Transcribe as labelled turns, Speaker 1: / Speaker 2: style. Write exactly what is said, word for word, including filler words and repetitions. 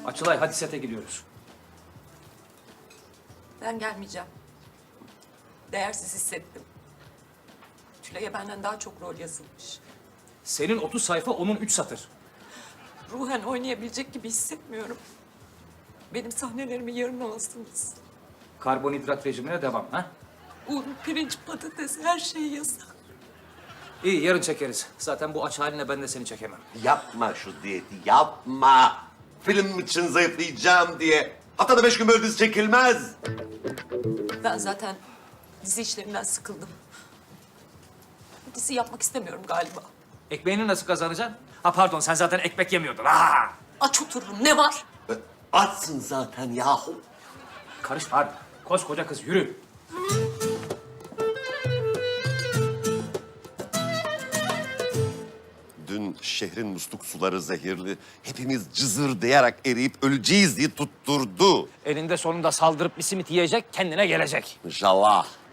Speaker 1: Açılay hadi sete gidiyoruz.
Speaker 2: Ben gelmeyeceğim. Değersiz hissettim. Tülay'a benden daha çok rol yazılmış.
Speaker 1: Senin otuz sayfa, onun üç satır.
Speaker 2: Ruhen oynayabilecek gibi hissetmiyorum. Benim sahnelerimi yarım alasınız.
Speaker 1: Karbonhidrat rejimine devam ha?
Speaker 2: Un, pirinç, patates her şey yasak.
Speaker 1: İyi yarın çekeriz. Zaten bu aç haline ben de seni çekemem.
Speaker 3: Yapma şu diyeti, yapma. Film için zayıflayacağım diye. Haftada beş gün böyle dizi çekilmez.
Speaker 2: Ben zaten dizi işlerinden sıkıldım. Dizi yapmak istemiyorum galiba.
Speaker 1: Ekmeğini nasıl kazanacaksın? Ha pardon sen zaten ekmek yemiyordun. Ha!
Speaker 2: Aç otururum ne var?
Speaker 3: E, Açsın zaten yahu.
Speaker 1: Karışma hadi. Koskoca kız yürü.
Speaker 3: Dün şehrin musluk suları zehirli. Hepimiz cızırdayarak eriyip öleceğiz diye tutturdu.
Speaker 1: Elinde sonunda saldırıp bir simit yiyecek, kendine gelecek.
Speaker 3: İnşallah.